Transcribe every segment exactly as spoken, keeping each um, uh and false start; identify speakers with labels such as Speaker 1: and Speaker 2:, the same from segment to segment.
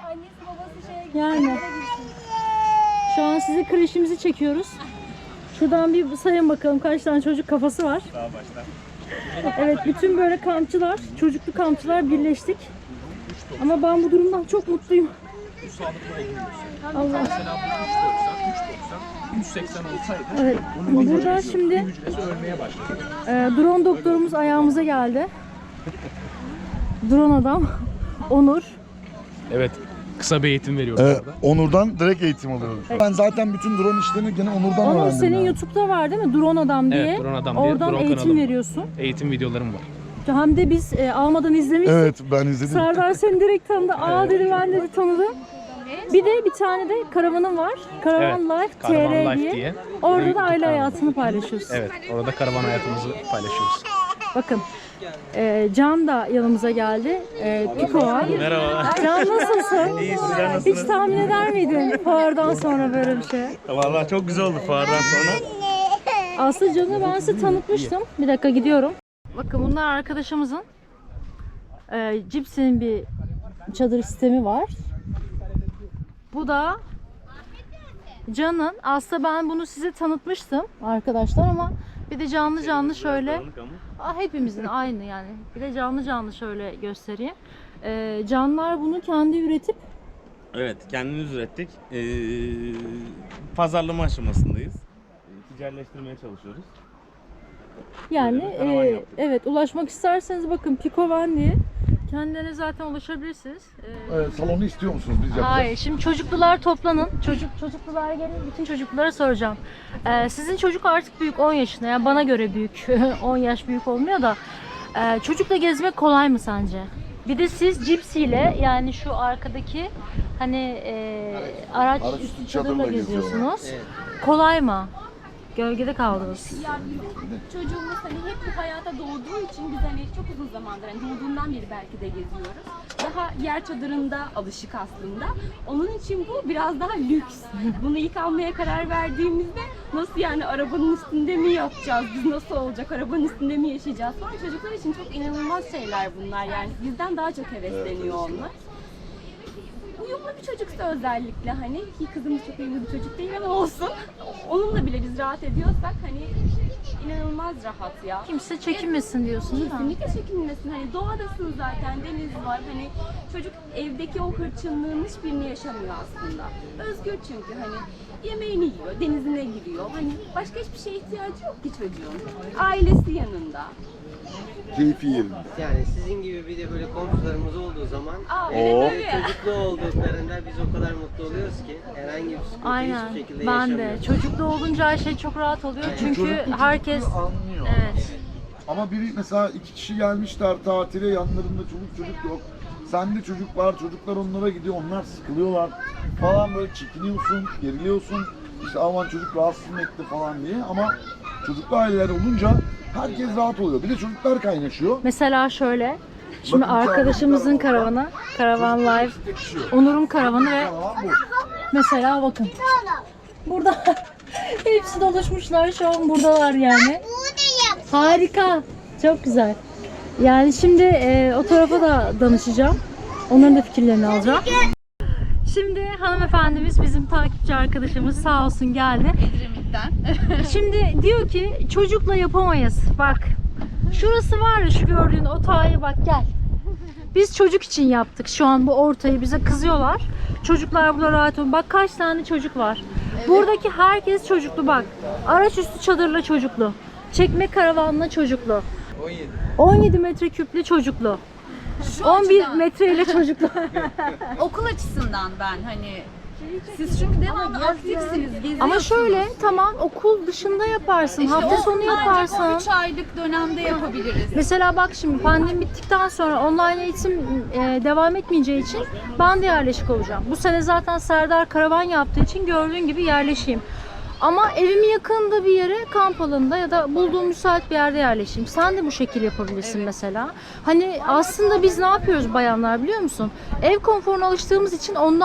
Speaker 1: annesi babası şeye
Speaker 2: Yani. Şu an size kreşimizi çekiyoruz. Şuradan bir sayın bakalım kaç tane çocuk kafası var.
Speaker 3: Daha baştan.
Speaker 2: Evet, bütün böyle kampçılar, çocuklu kampçılar birleştik. Ama ben bu durumdan çok mutluyum.
Speaker 3: Bu sağlıklı olduğunu
Speaker 2: Allah.
Speaker 3: Mesela bu üç doksan, yüz seksen olsaydı
Speaker 2: Evet,
Speaker 3: bunun bir
Speaker 2: burada
Speaker 3: hücresi,
Speaker 2: şimdi
Speaker 3: bir hücresi ölmeye başladı.
Speaker 2: e, drone doktorumuz ayağımıza geldi. Drone adam, Onur.
Speaker 3: Evet. Kısa bir eğitim veriyoruz
Speaker 4: Ee,
Speaker 3: orada.
Speaker 4: Onur'dan direkt eğitim alıyorum. Ben zaten bütün drone işlerini gene Onur'dan
Speaker 2: Onur
Speaker 4: öğrendim.
Speaker 2: senin
Speaker 4: yani.
Speaker 2: YouTube'da var değil mi? Drone adam diye.
Speaker 3: Evet, Drone Adam diye
Speaker 2: Oradan
Speaker 3: drone
Speaker 2: eğitim
Speaker 3: kanalım var.
Speaker 2: veriyorsun.
Speaker 3: Eğitim videolarım var.
Speaker 2: Hem de biz e, almadan izlemiştik.
Speaker 4: Evet, ben izledim.
Speaker 2: Serdar seni direkt tanıdı. Aa dedi, ben dedi tanıdım. Bir de bir tane de karavanın var. Karavan
Speaker 3: Evet,
Speaker 2: Life
Speaker 3: Karavan
Speaker 2: T R
Speaker 3: Life
Speaker 2: diye.
Speaker 3: diye.
Speaker 2: Orada da
Speaker 3: YouTube
Speaker 2: aile
Speaker 3: kanalı.
Speaker 2: hayatını paylaşıyorsun.
Speaker 3: Evet, orada karavan hayatımızı paylaşıyoruz.
Speaker 2: Bakın. e, Can da yanımıza geldi. E, Piko var.
Speaker 3: Merhaba.
Speaker 2: Can nasılsın?
Speaker 3: İyi, sizler
Speaker 2: Hiç
Speaker 3: nasılsınız?
Speaker 2: tahmin eder miydin fuardan sonra böyle bir şey?
Speaker 3: Vallahi çok güzel oldu fuardan sonra.
Speaker 2: Aslında Can'ı ben size tanıtmıştım. Bir dakika gidiyorum. Bakın bunlar arkadaşımızın e, Cipsi'nin bir çadır sistemi var. Bu da Can'ın. Aslında ben bunu size tanıtmıştım arkadaşlar ama bir de canlı canlı şöyle. Aa, hepimizin aynı yani. Bir de canlı canlı şöyle göstereyim. E, Canlar bunu kendi üretip
Speaker 5: Evet, kendimiz ürettik. Ee, pazarlama aşamasındayız. Ee, Ticaretleştirmeye çalışıyoruz.
Speaker 2: yani
Speaker 5: Böyle bir karavan
Speaker 2: e,
Speaker 5: yaptık.
Speaker 2: evet, ulaşmak isterseniz bakın Pikovan diye kendilerine zaten ulaşabilirsiniz. E,
Speaker 4: Evet, salonu istiyor musunuz? Biz yapacağız.
Speaker 2: Hayır, şimdi çocuklular toplanın. Çocuk çocuklular gelin, bütün çocuklara soracağım. Ee, sizin çocuk artık büyük, on yaşında. Yani bana göre büyük. on yaş büyük olmuyor da. Ee, çocukla gezmek kolay mı sence? Bir de siz cipsiyle, yani şu arkadaki hani e, araç
Speaker 4: Araç
Speaker 2: üstü
Speaker 4: üstü
Speaker 2: çadırla
Speaker 4: çadırla
Speaker 2: geziyorsunuz. Kolay mı? Gölgede kaldınız.
Speaker 1: Ya bizim çocuğumuz hani hep bu hayata doğduğu için biz hani çok uzun zamandır, hani doğduğundan beri belki de geziyoruz. Daha yer çadırında alışık aslında. Onun için bu biraz daha lüks. Bunu ilk almaya karar verdiğimizde nasıl yani arabanın üstünde mi yapacağız, biz nasıl olacak, arabanın üstünde mi yaşayacağız falan. Çocuklar için çok inanılmaz şeyler bunlar yani. Bizden daha çok hevesleniyor onlar. Uyumlu bir çocuksa özellikle hani, ki kızımız çok uyumlu bir çocuk değil ama olsun. Onunla bile biz rahat ediyorsak hani inanılmaz rahat ya.
Speaker 2: Kimse çekinmesin diyorsun değil mi?
Speaker 1: Kesinlikle çekinmesin. Hani doğadasın zaten, deniz var. Hani çocuk evdeki o hırçınlığın hiçbirini yaşamıyor aslında. Özgür çünkü hani yemeğini yiyor, denizine giriyor. Hani başka hiçbir şeye ihtiyacı yok ki çocuğun. Ailesi yanında.
Speaker 4: Keyfi yerinde.
Speaker 6: Yani sizin gibi bir de böyle komşularımız olduğu zaman
Speaker 1: Aa,
Speaker 6: e,
Speaker 1: evet,
Speaker 6: böyle
Speaker 1: tabii.
Speaker 6: çocuklu olduklarında biz o kadar mutlu oluyoruz ki herhangi bir sıkıntı
Speaker 2: Aynen.
Speaker 6: hiçbir şekilde
Speaker 2: Ben de.
Speaker 6: yaşamıyoruz.
Speaker 2: Çocuklu olunca her şey çok rahat oluyor. Çünkü
Speaker 4: Çocuklu
Speaker 2: herkes
Speaker 4: çocukluğu anlıyor.
Speaker 2: evet.
Speaker 4: Ama biri mesela iki kişi gelmişler tatile, yanlarında çocuk çocuk yok. Sende çocuk var, çocuklar onlara gidiyor, onlar sıkılıyorlar falan, böyle çekiniyorsun, geriliyorsun. İşte aman çocuk rahatsız mı etti falan diye, ama çocuklu aileler olunca herkes rahat oluyor. Bir de çocuklar kaynaşıyor.
Speaker 2: Mesela şöyle. Şimdi
Speaker 4: Bakın,
Speaker 2: arkadaşımızın karavanı, Karavan Life, Onur'un karavanı ve
Speaker 4: Tamam bu.
Speaker 2: mesela bakın. Burada hepsi doluşmuşlar, şu an buradalar yani. Harika. Çok güzel. Yani şimdi e, o tarafa da danışacağım. Onların da fikirlerini alacağım. Şimdi hanımefendimiz, bizim takipçi arkadaşımız sağ olsun geldi. Şimdi diyor ki çocukla yapamayız. Bak. Şurası var ya, şu gördüğün otağıya bak, gel. Biz çocuk için yaptık şu an bu ortayı, bize kızıyorlar. Çocuklar burada rahat olun. Bak kaç tane çocuk var. Buradaki herkes çocuklu bak. Araç üstü çadırla çocuklu. Çekme karavanla çocuklu. on yedi metreküplü çocuklu. on bir metreyle çocuklu.
Speaker 7: Okul açısından ben hani siz çünkü devamlı aktifsiniz, geziyorsunuz.
Speaker 2: Ama şöyle, tamam, okul dışında yaparsın,
Speaker 7: İşte
Speaker 2: hafta
Speaker 7: o
Speaker 2: sonu
Speaker 7: ancak
Speaker 2: yaparsın.
Speaker 7: o üç aylık dönemde yapabiliriz.
Speaker 2: Mesela bak şimdi pandemi bittikten sonra online eğitim e, devam etmeyeceği için ben de yerleşik olacağım. Bu sene zaten Serdar karavan yaptığı için gördüğün gibi yerleşeyim. Ama evimin yakınında bir yere, kamp alanında ya da bulduğum müsait bir yerde yerleşeyim. Sen de bu şekilde yapabilirsin mesela. Hani aslında biz ne yapıyoruz bayanlar biliyor musun? Ev konforuna alıştığımız için ondan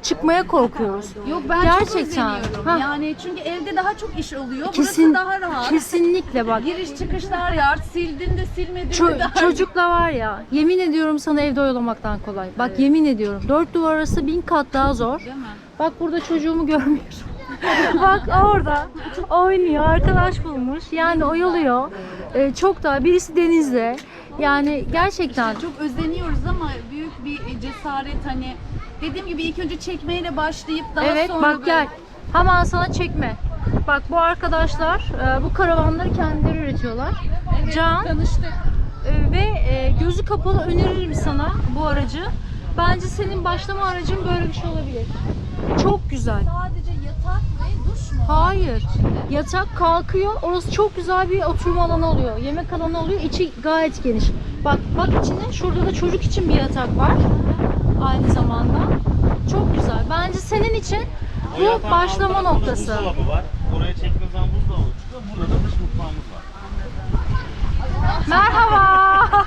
Speaker 2: çıkmaya korkuyoruz.
Speaker 7: Yok ben
Speaker 2: Gerçekten.
Speaker 7: çok özeniyorum.
Speaker 2: Ha.
Speaker 7: Yani çünkü evde daha çok iş oluyor.
Speaker 2: Kesin,
Speaker 7: Burası daha rahat.
Speaker 2: kesinlikle bak.
Speaker 7: Giriş çıkışlar ya. Sildin de silmedin
Speaker 2: Ço-
Speaker 7: de daha
Speaker 2: çocukla var ya, yemin ediyorum sana evde oyalamaktan kolay. Bak yemin ediyorum. Dört duvar arası bin kat daha zor.
Speaker 7: değil mi?
Speaker 2: Bak burada çocuğumu görmüyorum. Bak orada oynuyor, arkadaş bulmuş. Yani oyalıyor. Ee, çok daha birisi denizde. Yani gerçekten
Speaker 7: Çok özeniyoruz ama büyük bir cesaret hani dediğim gibi ilk önce çekmeyle başlayıp daha
Speaker 2: evet
Speaker 7: sonra
Speaker 2: bak
Speaker 7: böyle-
Speaker 2: gel. Hemen sana çekme. Bak bu arkadaşlar e, bu karavanları kendileri üretiyorlar. Can
Speaker 7: tanıştık.
Speaker 2: e, ve e, gözü kapalı öneririm sana bu aracı. Bence senin başlama aracın böyle bir şey olabilir. Çok güzel.
Speaker 7: Sadece yatak ve duş mu?
Speaker 2: Hayır. Yatak kalkıyor. Orası çok güzel bir oturma alanı oluyor. Yemek alanı oluyor. İçi gayet geniş. Bak bak içine. Şurada da çocuk için bir yatak var. Aynı zamanda. Çok güzel. Bence senin için
Speaker 5: O
Speaker 2: bu
Speaker 5: yatağın
Speaker 2: başlama
Speaker 5: alt tarafında
Speaker 2: noktası.
Speaker 5: Buzdolabı var. Oraya çektiğiniz zaman buzdolabı çıkıyor. Burada da dış mutfağımız var.
Speaker 2: Merhaba.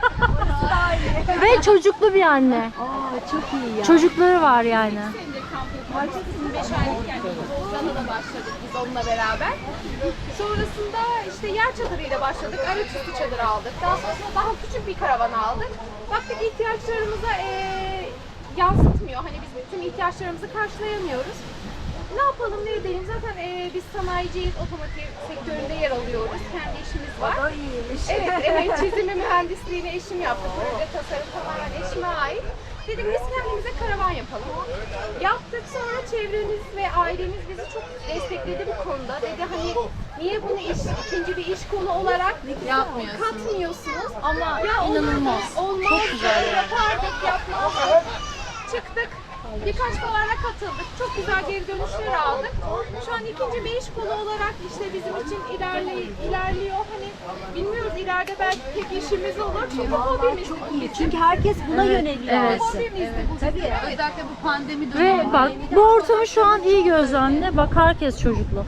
Speaker 2: Ve çocuklu bir anne.
Speaker 1: Aa çok iyi ya.
Speaker 2: Çocukları var yani.
Speaker 1: Market'in beş aylıkken Ozan'la da başladık biz onunla beraber. Sonrasında işte yer çadırıyla başladık. Araçüstü çadır aldık. Daha sonrasında daha küçük bir karavan aldık. Baktık ihtiyaçlarımıza eee yansıtmıyor. Hani biz bütün ihtiyaçlarımızı karşılayamıyoruz. Ne yapalım ne edelim zaten eee, biz sanayiciyiz, otomotiv sektöründe yer alıyoruz. Kendi işimiz var. O da iyiymiş. Evet, evet çizimi mühendisliğini eşim yaptı. Proje tasarım tamamen eşime ait. Dedim biz kendimize karavan yapalım. Yaptık sonra çevremiz ve ailemiz bizi çok destekledi bu konuda. Dedi hani niye bunu iş, ikinci bir iş konu olarak
Speaker 7: Yapmıyorsunuz.
Speaker 1: katmıyorsunuz?
Speaker 2: Ama
Speaker 1: Ya
Speaker 2: inanılmaz.
Speaker 1: Olmaz.
Speaker 2: Çok güzel yani.
Speaker 1: Yapardık, yapmazdık. Çıktık. Birkaç fuara katıldık. Çok güzel geri dönüşler aldık. Şu an ikinci bir iş kolu olarak işte bizim için ilerle, ilerliyor. Hani bilmiyoruz ileride belki tek işimiz olur. Çünkü hobimiz. Çok iyi.
Speaker 8: Çünkü herkes buna yöneliyor.
Speaker 2: Evet.
Speaker 1: Hobimiz bu. Tabii.
Speaker 7: Özellikle bu pandemi dönemi.
Speaker 2: Ve bak bu ortamı şu an iyi gözlemle. Bak herkes çocuklu.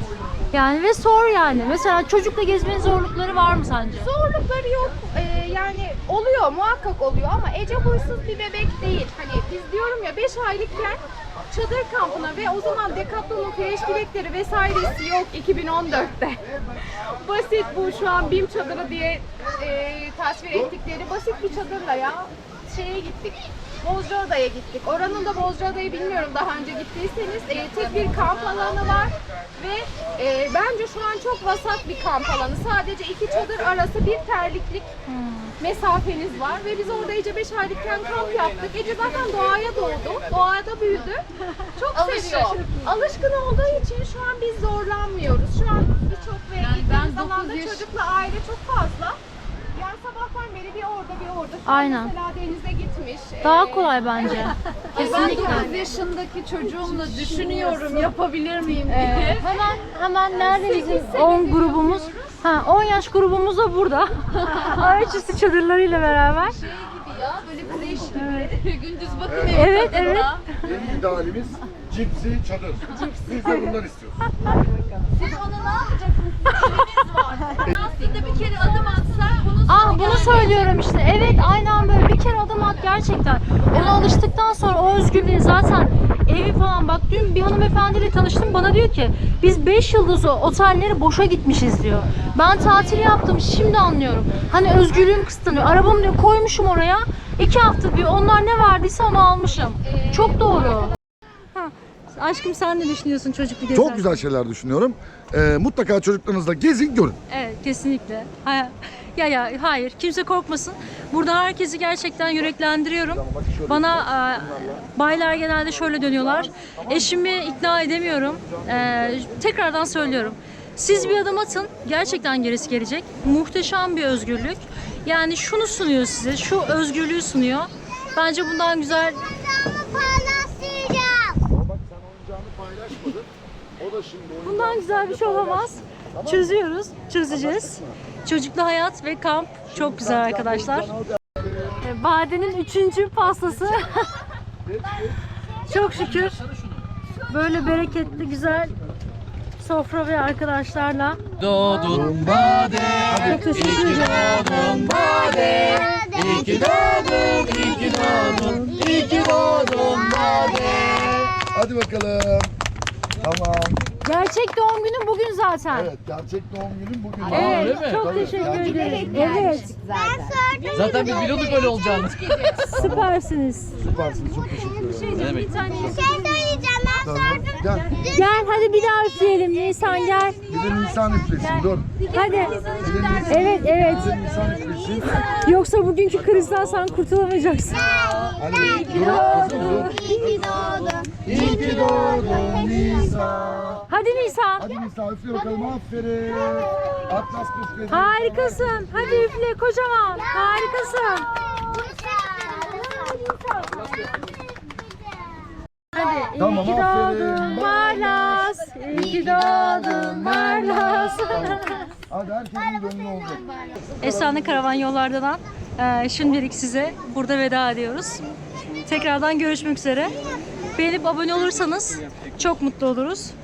Speaker 2: Yani ve sor yani. Mesela çocukla gezmenin zorlukları var mı sence?
Speaker 1: Zorlukları yok. Ee, yani oluyor muhakkak oluyor ama Ece huysuz bir bebek değil. Hani biz diyorum ya beş aylıkken çadır kampına ve o zaman Decathlon'un fresh bilekleri vesairesi yok iki bin on dörtte. Basit bu şu an BİM çadırı diye e, tasvir ettikleri basit bir çadırla ya şeye gittik. Bozcaada'ya gittik. Oranın da Bozcaada'yı bilmiyorum daha önce gittiyseniz e, tek bir kamp alanı var ve e, bence şu an çok vasat bir kamp alanı. Sadece iki çadır arası bir terliklik mesafeniz var ve biz orada Ece beş aylıkken kamp yaptık. Ece zaten doğaya doğdu, doğada büyüdü. Çok seviyor. Alışkın olduğu için şu an biz zorlanmıyoruz. Şu an birçok ve
Speaker 7: Yani ben
Speaker 1: gittiğimiz
Speaker 7: dokuz
Speaker 1: alanda
Speaker 7: yaş-
Speaker 1: çocukla aile çok fazla. Yani sabahtan beri bir orada bir orada. Şu an
Speaker 2: Aynen.
Speaker 1: Mesela denize gitmiş.
Speaker 2: Daha
Speaker 1: Ee,
Speaker 2: kolay bence.
Speaker 7: Ben
Speaker 2: Kesinlikle.
Speaker 7: dokuz yaşındaki çocuğumla düşünüyorum yapabilir miyim diye.
Speaker 2: Hemen hemen nerede bizim on grubumuz? Ha on yaş grubumuz da burada. Araçüstü çadırlarıyla beraber.
Speaker 7: Şey gibi ya böyle kreş gibi. Gündüz bakın evi
Speaker 2: Evet,
Speaker 7: tadında.
Speaker 2: evet.
Speaker 4: Yeni idealimiz cipsi çadır. Biz de bundan istiyoruz.
Speaker 7: Siz ona ne yapacaksınız? Sizin eviniz var. Lastiğinde bir kere adım atsak bunu
Speaker 2: Ah bunu söylüyorum işte. Evet aynen böyle bir kere adım at gerçekten. Ona alıştıktan sonra o özgürlüğü zaten evi falan bak dün bir hanımefendiyle tanıştım bana diyor ki biz beş yıldızlı otelleri boşa gitmişiz diyor. Ben tatil yaptım şimdi anlıyorum. Hani özgürlüğüm kısıtlanıyor. Arabamı diyor koymuşum oraya. iki hafta diyor onlar ne verdiyse onu almışım. Çok doğru. Ha, aşkım sen ne düşünüyorsun çocuklu gezerken?
Speaker 4: Çok güzel şeyler düşünüyorum. Ee, mutlaka çocuklarınızla gezin, görün.
Speaker 2: Evet kesinlikle. Ha- Ya ya hayır kimse korkmasın. Burada herkesi gerçekten yüreklendiriyorum. Bana e, baylar genelde şöyle dönüyorlar. Eşimi ikna edemiyorum. E, tekrardan söylüyorum. Siz bir adım atın. Gerçekten gerisi gelecek. Muhteşem bir özgürlük. Yani şunu sunuyor size. Şu özgürlüğü sunuyor. Bence bundan güzel
Speaker 4: Ama bak sen oyuncağını paylaşmadın. O da şimdi oyuncağını
Speaker 2: Bundan güzel bir şey olamaz. Çözüyoruz, çözeceğiz. Çocuklu hayat ve kamp çok güzel arkadaşlar. E, Bade'nin üçüncü pastası. Çok şükür. Böyle bereketli, güzel sofra ve arkadaşlarla.
Speaker 3: Doğdun Bade,
Speaker 2: Çok teşekkür ederim.
Speaker 3: doğdun Bade, iyi ki doğdun, iyi ki doğdun, iyi ki doğdun Bade.
Speaker 4: Hadi bakalım. Tamam.
Speaker 2: Gerçek doğum günün bugün zaten.
Speaker 4: Evet, gerçek doğum günün bugün.
Speaker 2: Evet,
Speaker 3: öyle mi?
Speaker 2: çok
Speaker 4: Tabii,
Speaker 2: teşekkür
Speaker 4: gerçek
Speaker 2: ederim.
Speaker 4: doğum günün.
Speaker 2: Evet,
Speaker 3: Zaten biz biliyorduk öyle olacağını.
Speaker 2: süpersiniz.
Speaker 4: Süpersiniz, çok teşekkür ederim.
Speaker 3: Ne demek?
Speaker 4: Tamam, gel.
Speaker 2: Gel hadi bir daha üfleyelim Nisan gel.
Speaker 4: Bir de Nisan üflesin, dur.
Speaker 2: Hadi.
Speaker 4: Bir de Nisan,
Speaker 2: Evet evet.
Speaker 4: bir de Nisan üflesin.
Speaker 2: Yoksa bugünkü krizden sen kurtulamayacaksın.
Speaker 4: Hadi dur, kızım dur. İyi ki doğdun. İyi ki doğdun Nisan.
Speaker 2: Hadi Nisan.
Speaker 4: Hadi Nisan üfle bakalım, aferin. Atlas üfledi.
Speaker 2: Harikasın. Hadi üfle kocaman. Harikasın. Hadi.
Speaker 4: Tamam,
Speaker 2: İyi ki
Speaker 4: aferin.
Speaker 2: doğdun Barlas. İyi ki doğdun Barlas.
Speaker 4: Hadi herkesin gönlü olacak.
Speaker 2: Efsane Karavan Yollar'dan e, şimdilik size burada veda ediyoruz. Tekrardan görüşmek üzere. Beğenip abone olursanız çok mutlu oluruz.